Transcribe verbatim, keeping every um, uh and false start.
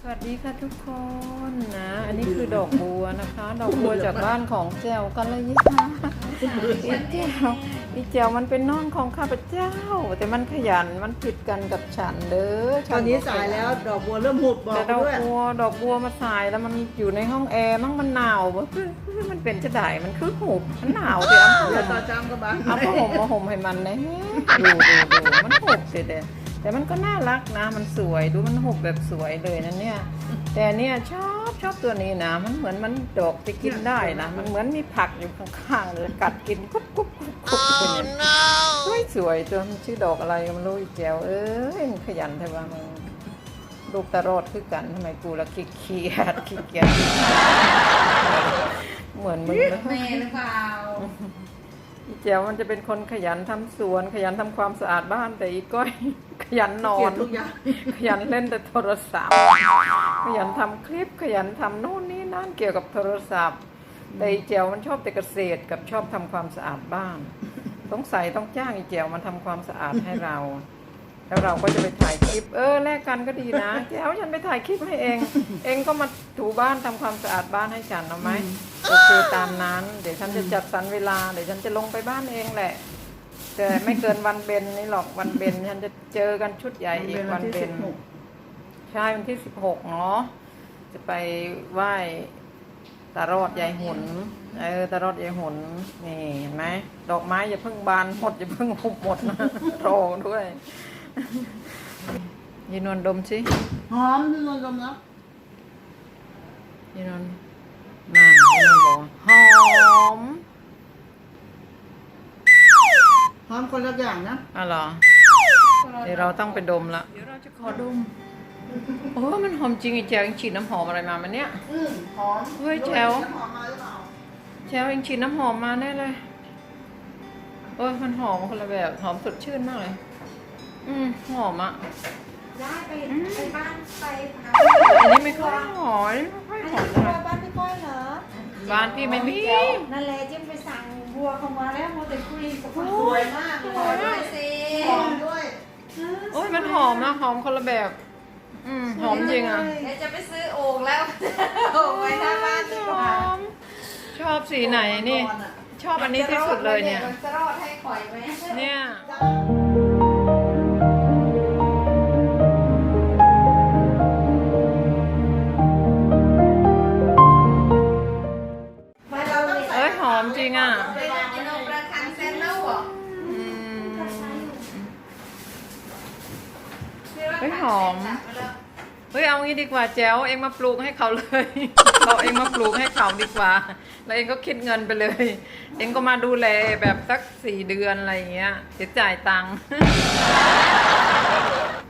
สวัสดีค่ะทุกคนนะอันนี้คือดอกบัวนะคะ ดอกบัวจากบ้านของแจวกันเลยค่ะอีแจวอีแจวมันเป็นน้องของข้าพเจ้า แต่มันขยันมันผิดกันกับฉันเด้อตอนนี้สายแล้วดอกบัวเริ่มหุบบอกแต่ดอกด้วยบัวดอกบัวมาสายแล้วมันอยู่ในห้องแอร์มั่งมันหนาววะมันเป็นจะได้มันคือหุบมันหนาวเดี๋ยวเดี๋ยวต่อจำก็บ้างเอาผ้าห่มมาห่มให้มันนะดูดูดูมันหุบเด็ดแต่มันก็น่ารักนะมันสวยดูมันหุบแบบสวยเลยนะเนี่ยแต่เนี่ยชอบชอบตัวนี้นะมันเหมือนมันดอกไปกินได้นะมันเหมือนมีผักอยู่ข้างๆเลยกัดกินกุ๊บกุ๊บกุ๊บกุ๊บสวยสวยตัวมันชื่อดอกอะไรก็ไม่รู้อีแจวเอ้ยมันขยันแต่ว่ามันลูกตะรอดคือกันทำไมกูละขี้เกียจขี้เกียจเหมือนมึงเลยแม่หรือเปล่าอีแจวมันจะเป็นคนขยันทำสวนขยันทำความสะอาดบ้านแต่อีก้อย ขยันนอเกลียนดทุกอย่างขยันเล่นแต่โทรศัพท์ขยันทำคลิปขยันทำโน่นนี่นั่นเกี่ยวกับโทรศัพท์แต่อีแจวมันชอบแต่เกษตรกับชอบทำความสะอาดบ้านต้องใส่ต้องจ้างอีแจวมันทำความสะอาดให้เรา แล้วเราก็จะไปถ่ายคลิปเออแลกกันก็ดีนะแจวฉันไปถ่ายคลิปให้เอง เองก็มาถูบ้านทำความสะอาดบ้านให้ฉันเอาไหมโอเคตามนั้น เดี๋ยวฉันจะจัดสรรเวลาเดี๋ยวฉันจะลงไปบ้านเองแหละแต่ไม่เกินวันเบนนี่หรอกวันเบนฉันจะเจอกันชุดใหญ่อีกวันเบนใช่วันที่สิบหกเนาะจะไปไหว้ตารอดยายหุนเออตารอดยายหุนนี่เห็นไหมดอกไม้อย่าเพิ่งบานหมดอย่าเพิ่งหุบหมดนะรอด้วยยีนวลดมสิหอมที่นวลดมนะยีนวลนั่นยีนวลบอกหอมหอมคนละอย่างนะอ๋อเหรอเดี๋ยวเราต้องไปดมละเดี๋ยวเราจะขอดมโอ้มันหอมจริงไอ้แจวเองฉีดน้ำหอมอะไรมามันเนี้ยอืมหอมเฮ้ยแจ๋วหอมมาหรือเปล่าแจวเองฉีดน้ำหอมมาแน่เลยเออมันหอมคนละแบบหอมสดชื่นมากเลยอืมหอมอ่ะได้ไปไปบ้านไปหาอันนี้ไม่ค่อยหอมไม่ค่อยอันหอนี้มไปเลยบ้านพี่ก้อยเหรอบ้านพี่ไม่มีนั่นแหละจิ้มไปสั่งบัวเข้ามาแล้วมัวแต่คุยกับคนสวยมากเลยสวยด้วยสิหอมด้วยโอ้ยมันหอมนะหอมคนละแบบ อืมหอมจริงอ่ะเดี๋ยวจะไปซื้อโอ่งแล้วโอ่งไว้หน้าบ้านดีกว่าหอมชอบสีไหนนี่ ชอบอันนี้ที่สุดเลยเนี่ยจะรอดให้ข่อยไหมเนี่ยมาเราเลยเอ้ยหอมจริงอ่ะไปกินนมประคันเซนแล้วเหรออืมเฮ้ยหอม เฮ้ยเอางี้ดีกว่าแจ๋วเองมาปลูกให้เขาเลย เราเองมาปลูกให้เขาดีกว่า แล้วเองก็คิดเงินไปเลย เองก็มาดูแลแบบสักสี่เดือนอะไรอย่างเงี้ยเดี๋ยวจ่ายตังค์